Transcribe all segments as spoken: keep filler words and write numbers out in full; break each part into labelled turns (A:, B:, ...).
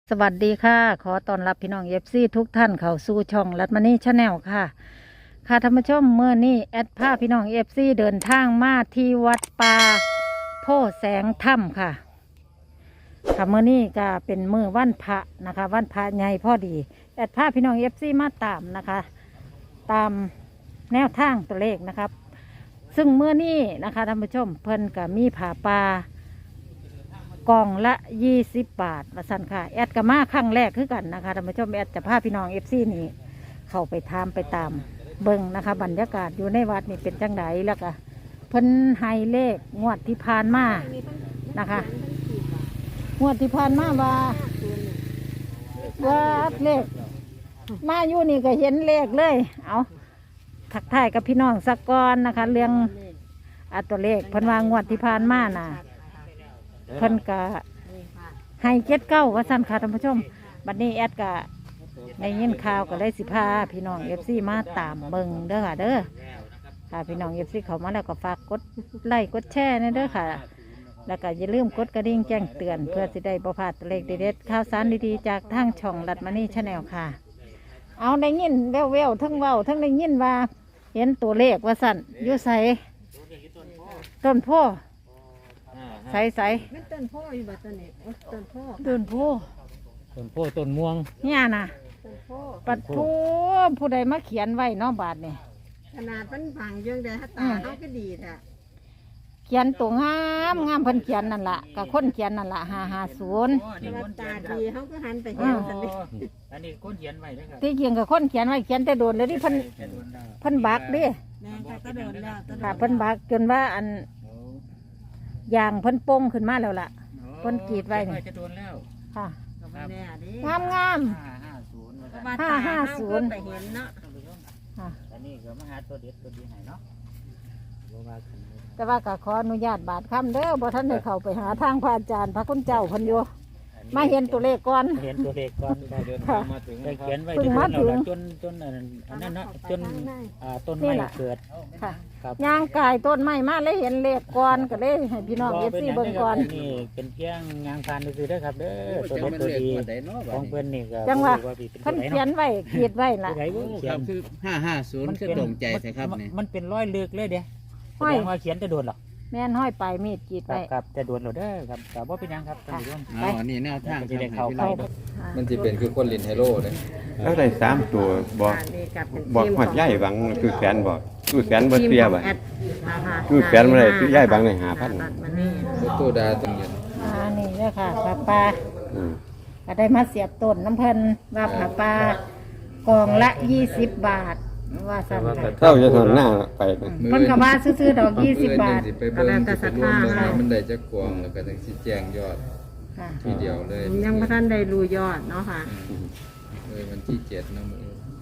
A: สวัสดีค่ะ ขอต้อนรับพี่น้องเอฟซีทุกท่านเข้าสู่ช่องรัตมณีชาแนลค่ะ ค่ะท่านผู้ชมเมื่อนี้แอดพาพี่น้องเอฟซีเดินทางมาที่วัดป่าโพแสงถ้ำค่ะค่ะเมื่อนี้ก็เป็นมื้อวันพระนะคะ วันพระใหญ่พอดีแอดพาพี่น้องเอฟซีมาตามนะคะ ตามแนวทางตัวเลขนะครับ ซึ่งเมื่อนี้นะคะท่านผู้ชมเพิ่นก็มีผ่าป่ากล่องละยี่สิบบาทมาสั่นค่ะแอดกับมาครั้งแรกคือกันนะคะท่านผู้ชมแอดจะพาพี่น้องเอฟซีนี่เข้าไปทามไปตามเบิ้งนะคะบรรยากาศอยู่ในวัดนี่เป็นจังไดแล้วก็เพิ่นให้เลขงวดที่ผ่านมานะคะงวดที่ผ่านมาว่าว่าเลขมาอยู่นี่ก็เห็นเลขเลยเอาทักทายกับพี่น้องสักก้อนนะคะเรื่องอัตัวเลขเพิ่นว่างวดที่ผ่านมาน่ะเพิ่นกะให้เจ็ดเก้าว่าสั้นค่ะท่านผู้ชมบัดนี้แอดกะในยินข่าวก็ได้สิพาพี่น้องเอฟซีมาตามเบิงเด้อค่ะเด้อค่ะพี่น้องเอฟซีเขามาแล้วก็ฝากกดไลค์กดแชร์นี่เด้อค่ะแล้วก็อย่าลืมกดกระดิ่งแจ้งเตือนเพื่อสิได้บ่พลาดตัวเลขเด็ดๆข่าวสารดีๆจากทางช่องรัตมณีชาแนลค่ะเอาได้ยินแววๆทั้งเว้าทั้งได้ยินว่าเห็นตัวเลขว่าสั่นอยู่ใสต้นโพใสใส
B: ต้นโพอยู่แบบต้นนี้ต้นโพ
A: ต้นโพ
C: ต้นโพต้นม่วง
A: เนี่ยนะ
B: ต้นโพ
A: ปัดทูผู้ใดมาเขียนไว้น้องบาทนี่
B: ขนาดมันผังยังได้ตาเขาก็ดีแท้
A: เขียนตัวงามงามเพิ่นเขียนนั่นล่ะกับคนเขียนนั่นล่ะห้าห้าศูนย์
B: ตาดีเขาก็หันไปเห็นสันนิ
C: อันนี้คนเขียนไว้นะครับ
A: ที่เขียนกับคนเขียนไว้เขียนแต่โดนเลยที่เพิ่นเพิ่นบักดิ
B: แม่ก็โดนแล้ว
A: ค่ะเพิ่นบักจนว่าอันยางเพิ่นโป่งขึ้นมาแล้วล่ะเพิ่นกรีดไว้นี่
C: จะโดนแล้ว
A: ค่ะ
B: งาม
A: งาม
B: ห้าห้าศูนย์ไปเห็นเนาะ
C: อันนี้ก็มาหาตัวเด็ดตัวดีให้เนาะ
A: แต่ว่าก็ขออนุญาตบาทคำเด้อบ่ท่านได้เข้าไปหาทางพระอาจารย์พระคุณเจ้าเพิ่นอยู่มาเห็นตัวเลขก่อน
C: เห็นตัวเลขก่อนเดินทางมาถึงเขียนไว้ที่ต้นเราจนจนอันนั้นเนาะจนต้นไม้เกิด
A: ค่ะย่างกายต้นไม้มาเลยเห็นเลขก่อนก็เลยให้พี่น้องเอฟซีเบิ่งก่อน
C: นี่เป็นเพียงยางพานคือได้ครับเด้อตัวเล็กตัวดีของเพื่อนนี่ก็
A: จังว่าเพิ่นเขียนไว้ขีดไว้ล่ะ
D: ครับคือห้าห้าศูนย์คือตรงใจใช่ครับนี่
C: มันเป็นร้อยเลือกเลยเด้แสดงว่าเขียนจะโดนหรอ
A: แม่นห้อยปลายมีดกีดไว้
C: ครับจะโดนหรอเด้อครับแต่ว่าเป็นยังครับท่านผู้ชม
D: อ๋อนี่แนวทาง
C: จะได้เข้าไป
E: มันจะเป็นคือคนลินไฮโลเลย
F: แล้วได้สามตัวบอกบอกหัดใหญ่บางคือแขนบอกคือแขนบ่เสียบ่คือแขนบ่ได้คือใหญ่บางในหาพัน
E: ตัวดาตรงนี้
A: อ่านี่เด้อค่ะปลาปลาก็ได้มาเสียบต้นน้ำเพิ่นว่าปลาปลากองละยี่สิบบาทว่าสั่น
F: เท่าจะทนหน้าไป
A: เพิ่นก็ว่าซื้อๆดอกยี่สิบบาท
E: ก็แล้วแต่ศรัทธามันได้จะกวงแล้วก็ต้องชี้แจงยอดทีเดียวเลย
B: ยังพระท่านได้รู้ยอดเนาะค่ะ
E: เลยวันที่เจ็ดนะมือ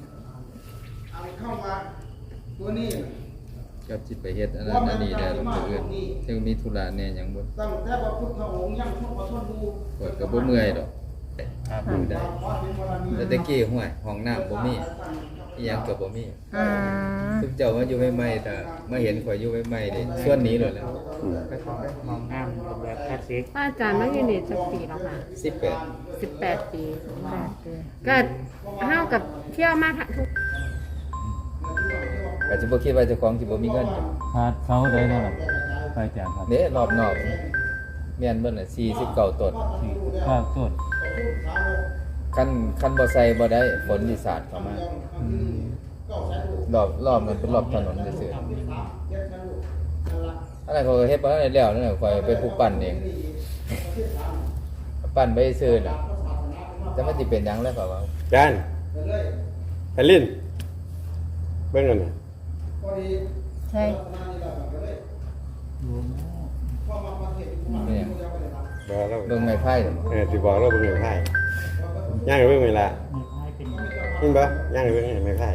E: กับจิตไปเฮ็ดอันนั้นอันนี้ได้ลงเอื่นเที่ยวมีธุระเนี่ยอย่างบนกดกับบ่เมื่อยดอกดูได้แต่ตะกี้ห้วยห้องน้ำบ่มีอีหยังก็บ่มีทุกเจ้ามาอยู่ใหม่ๆแต่มาเห็นข่อยอยู่ใหม่ๆนี่ส่วนนี้เลยแล้ว
C: มองงามแบบคลาสสิก
B: ป้าอาจารย์มาอยู่นี่สักปีแล้วค่ะ
E: สิบแปด
B: สิบแปดปีก็เฮากับเที่ยวมาทุก
E: ก็สิบ่คิดว่าเจ้าของสิบ่มีเงิน
C: ขาดเขาได้เท่าไหร่ไปแจกครับ
E: เด้รอบนอกแม่นเบิ่นน่ะสี่สิบเก้าต้น
C: ข้าวต้น
E: คันคันบ่ใส่บ่ได้ฝนสิสาดเข้ามารอบรอบมันเป็นรอบถนนซื่อๆอันนั้นเขาก็เฮ็ดบ่ได้แล้วนั่นน่ะข่อยเป็นผู้ปั้นเองปั้นไปซื่อน่ะแต่มันสิเป็นหยังแล้วก็ว่า
F: จานไปลิ้นเบิ่งนั่นน่ะ
A: ใช่
E: เนี่ย
F: บอกเรา
E: เบิ่งไม้ไผ่
F: เออสิบอกเราเบิ่งไม้ไผ่ย่างเบิ่งเวลาเห็นบ่ย่างเบิ่งไม้ไผ่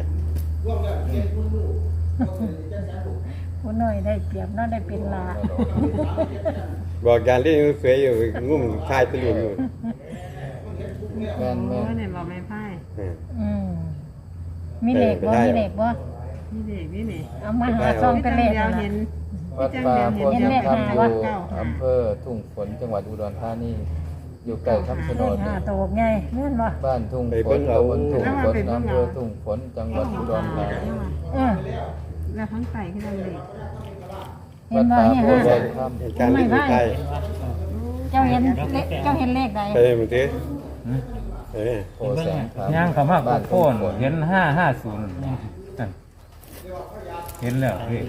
A: ผู้น้อยได้เปรียบน้อยได้เป็นลา
F: บอกการเล่นสวยอยู่งุ่มชายตะลุมอยู่
E: แม่นแม่น
B: เนี่ยบอกไม้ไผ่
A: อืมมีเหล็กบ่มีเหล็กบ่
B: มีเหล็กมีเหล็ก
A: เอามาหาซองเป็นเหล็ก
B: เห็น
E: วัดป่าโพธิ์ธรรมอยู่อำเภอทุ่งฝนจังหวัดอุดรธานีอยู่ใกล้คำชะโนด
A: ห้า
E: นี่
A: ตัวไงแม่นบ่
E: บ้านทุ่งฝนตำบลทุ่งฝนอำเภอทุ่งฝนจังหวัดอุดรธานี
A: เออ
B: แล้วทั้งไตขึ้นมาเลย
A: เห็
E: วัน ด
A: บ่
E: ป่า
A: เนี่ย
E: โพ
A: ห้า
E: ธิ์ธรรม
F: การที่อยู่ใกล้
A: เจ้าเห็นเลขเจ้าเห็นเลขใด
F: ไปมึงติเอ้ย
E: โพธิ์แสงธรรม
G: ย่างเขามา
E: บ้าน
G: โค่
E: ทุ่ง
G: น
E: ฝน
G: เห็นห้าห้าศูนย์เห็นแล้วพี่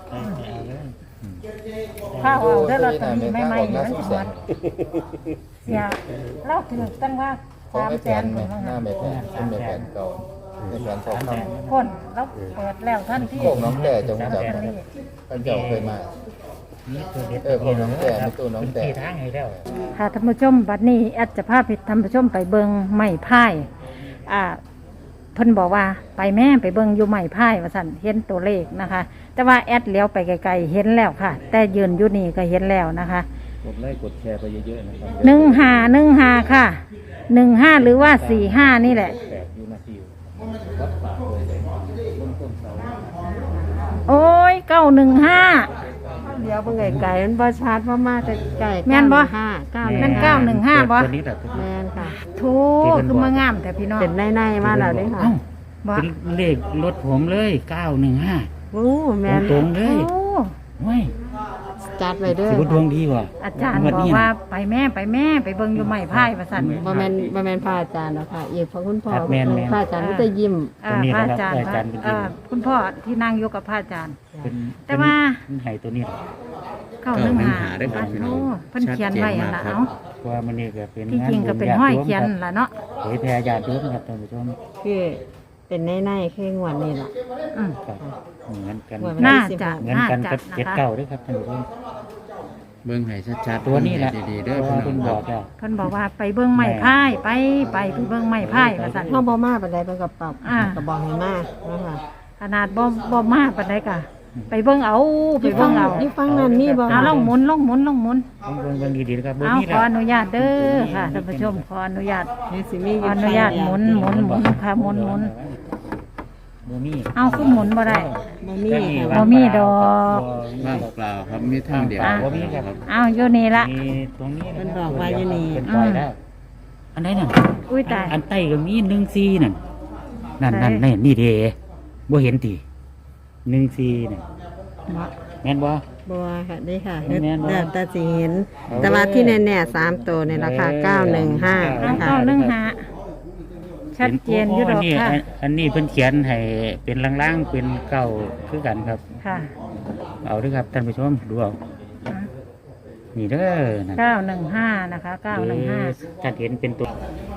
A: ข้าวเอาได้ลอตเตอรี่ใหม่ๆนี่มันสิหมดเสียเราถือตั้งว่า
E: ของ
A: สาม
E: ไอ้
A: แส
E: แผ
A: น
E: นไหม
A: ถึง
E: หน้าแม่แผนเป็นแม่แผนเก่าแม่แผนทองคำ
A: คนเราเปิดแล้วท่านที่
E: โคกน้องแต่จงจับท่านเจ้าเคยมา
C: นี่ตัวเด็ด
E: เออโคกน้องแต่ในตู้น้องแต่
C: ที่ทางให้แล้ว
A: ค่ะท่านผู้ชมบัดนี้แอดจะพาไปท่านผู้ชมไปเบิงไม้พายอ่าเพิ่นบอกว่าไปแม่ไปเบิงอยู่ไม้พายว่าสั่นเห็นตัวเลขนะคะ แต่ว่าแอดเลี้ยวไปไกลๆเห็นแล้วค่ะ แต่ยืนอยู่นี่ก็เห็นแล้วนะคะ
C: กดไลค์กดแชร์ไปเยอะๆนะครับ
A: หนึ่งห้าหนึ่งห้าค่ะหนึ่งห้าหรือว่าสี่ห้านี่แหละ
C: แปดยูนาทีวัดป่าโพธิ์แสงต้นต้นเสา
A: โอ้ยเก้าหนึ่งห้า
B: เดี๋ยวเบิ่งไก่มันบ่ชัดเพราะมาแต่ไก่
A: แม่นบ่
B: ห้าเก้า
A: แม่นเก้าหนึ่งห้าบ่
C: ตัวนี้แหละตัวนี้
B: แม่นค่ะ
A: ทูคือมางามแต่พี่น้อง
B: เป็นในๆมาแล้วเด้ค่ะ
C: เอ้า
A: บ่
C: เป็นเลขรถผมเลยเก้าหนึ่งห้า
B: โอ้แม่น
C: ตรงๆเลย
A: โอ้
C: เว้ย
B: จัดไว้เด้อ
C: สิบดวงดีว่ะ
A: อาจารย์บอกว่าไปแม่ไปแม่ไปเบิงอยู่ไม้พายว่าสั่น
B: บ่แม่นบ่แม่นพระอาจารย์หรอกค่ะอีกพระคุณพ่อ
C: ครับแม่นๆ
B: พระอาจารย์ก็จะยิ้ม
A: อ่า
C: ตรงนี้
A: พระ
C: นะ
A: อา
C: ค
A: จา
C: รั
A: ร
C: บ
A: ย์
C: อาจารย์เป็น
A: อ่าคุณพ่อที่นั่งอยู่กับพระอาจารย์
C: เป็น
A: แต่ว่า
C: เป็นไห้ตัวนี้แหละ
A: เก้าหนึ่งหา
D: เก้าหนึ่งหาด้วยครับพี่น้อง
A: โอ้เพิ่นเขียนไว้หั่นล่ะ
D: ชัดเจนมากครับ
A: เอ้า
C: เพราะว่ามันนี่ก็เป็น
A: ที่จริงก็เป็น
C: ญาติ
A: ห้อย
C: โม
A: เขียน
C: ครับ
A: ล่ะเนาะ
C: เผยแพร่ญาติโยมครับท่านผู้ชม
B: คือเป็นในๆคืองวดนี่ล่ะ
A: อืม
C: ครับเหมือนกัน
B: ว่า
A: น่าจะ
C: เหมือน
A: น่า
C: กัน
A: จะ
C: กับ
A: นะ
C: เจ็ด
A: คะ
C: เก้าด้วยครับท่านผู้ชม
D: เบิ่งให้ชัดๆ
C: ตัวนี้แหละ
D: เบิ่งให้ดีๆเด้อ
C: เพราะ
D: พี่
C: ว่า
D: น้อ
C: เพิ่
D: ง
C: น
D: ค
C: บ
D: รั
C: อบ กแล้ว
A: เพิ่นบอกว่าไปเบิ่งไม้พายไปไปไปเบิ่งไม้พายว่าสั่น
B: เฮาบ่มาปานใดเพิ่นก็ปรับ
A: อ่า
B: ก็บอกให้มานะคะ
A: ขนาดบ่บ่มากปานใดกะไปเบิ่งเอาไปเบิ่งเอา
B: อยู่ฟังนั้นมีบ่
A: เอาลองหมุนลองหมุนลองหมุน
C: ต้องเบิ่งเบิ่งดีๆนะครับเบิ่ง
A: เอา
C: นี่
A: ข
C: แห
A: อ
C: ละ
A: อนุญาตเด้อค่ะท่านผู้ชมขออนุญาต
B: นี่สิมี
A: ขออนุญาตหมุนหมุนหมุนค่ะหมุนหมุน
C: บ่มี
A: เอาคือหมุนบ่ได้
B: บ่มี
A: บ่มีดอก
D: ว่างเปล่าครับมีทางเดียว
A: อ่ะ
C: บ่มีครับ
A: เอาอยู่นี่ละ
C: มีตรงนี้ะ
B: เพิ่นบอกว่าอยู่นี่
C: เป็นปล่อยแล้วอันไหนนั่น
A: อุ้ยตาย
C: อันใต้ก็มีหนึ่งสี่นั่นนั่นนั่น
A: ไหน
C: นี่นี่เด้บ่เห็นติหนึ่งสี่นั่นแม่นบ่
B: บัวค่ะนี่ค่ะ
C: แม่นบ่
B: แต่แต่สิเห็น
C: เอา
B: แต่ว่าที่แน่ๆสามตัวนี่ราคาเก้าหนึ่งห้า
A: เอา
B: นะคะ
A: เก้าหนึ่งห้าชัดเจนอยู่ดอก
C: นนี้
A: ค่ะ
C: อันอันนี้เพิ่นเขียนให้เป็นล่างๆเป็นเก้าคือกันครับ
A: ค่ะ
C: เอาเด้วยครับท่านผู้ชมดูเอานี่เด้อนั่น
A: เก้าหนึ่งห้านะคะเก้าหนึ่งห้า
C: จะเห็นเป็นตัว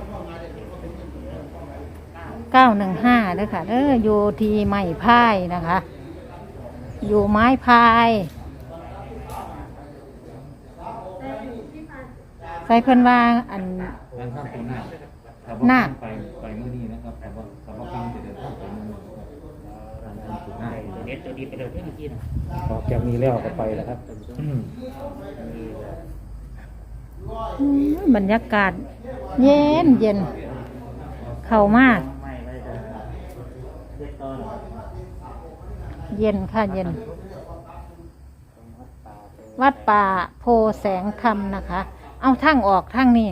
A: เก้าหนึ่งห้าเด้อค่ะเด้ออยู่ที่ไม้พายนะคะ อยู่ไม้พายใส่เพิ่นว่าอัน นาค
C: ไปไปมื้อนี้นะครับแต่ว่าสำหรับการจะเดินทางไปมื้อนี้เด็ดตัวดีไปเลยเมื่อกี้นะออกจากนี้แล้วก็ไปแล้วครับ
A: อืมบรรยากาศ เย็นเย็น เข้ามาก เย็นค่ะเย็น วัดป่าโพแสงธรรมนะคะ เอาทางออกทางนี้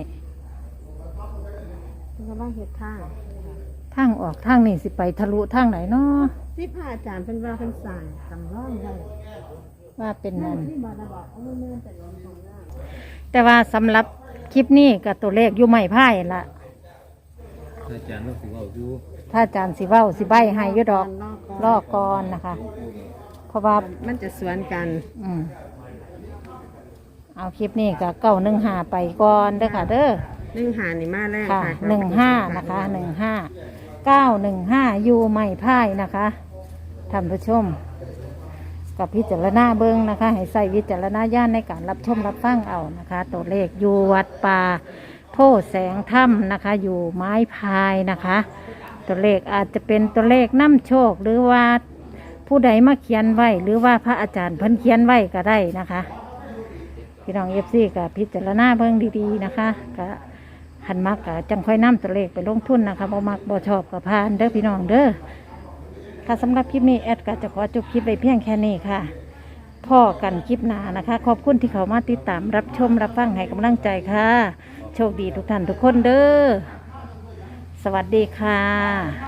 B: กำลังเฮ็ดทาง
A: ทางออกทางนี้สิไปทะลุทางไหนเนาะ
B: ที่พระอาจารย์เพิ่นว่าเพิ่นสร้างสำรองไว้
A: ว่าเป็นนั่น
B: ที่บ่ได้บอกเอาแม่นแต่ลงของหน้า
A: แต่ว่าสำหรับคลิปนี้กับตัวเลขอยู่ไม่พ่ายละ
E: อาจารย์ว่าสิเว้าอยู่
A: ถ้าอาจารย์สิเว้าสิใบให้อยุดอกลอกก่อนนะคะ เพราะว่า
B: มันจะสวนกัน
A: อืมเอาคลิปนี้กับเก้าหนึ่งห้าไปก่อนเด้อค่ะ เด้อ
B: หนึ่งหานี่มาแรก
A: ค่ะ
B: ค่ะ
A: หนึ่งห้านะคะหนึ่งห้าเก้าหนึ่งห้าอยู่ไม่พ่ายนะคะท่านผู้ชม กับพิจารณาเบิ้งนะคะ ให้ใส่วิจารณญาณในการรับชมรับฟังเอานะคะ ตัวเลขอยู่วัดป่าโพแสงถ้ำนะคะ อยู่ไม้พายนะคะ ตัวเลขอาจจะเป็นตัวเลขน้ำโชค หรือว่าผู้ใดมาเขียนไว้ หรือว่าพระอาจารย์เพิ่นเขียนไว้ก็ได้นะคะพี่น้องเอฟซีกับพิจารณาเบิ้งดีๆนะคะก็หันมักกะจังค่อยนำตัวเลขไปลงทุนนะคะบ่มักบ่ชอบกับพานเด้อพี่น้องเด้อค่ะสำหรับคลิปนี้แอดก็จะขอจบคลิปไปเพียงแค่นี้ค่ะพ่อกันคลิปหน้านะคะ ขอบคุณที่เขามาติดตามรับชมรับฟังให้กำลังใจค่ะโชคดีทุกท่านทุกคนเด้อสวัสดีค่ะ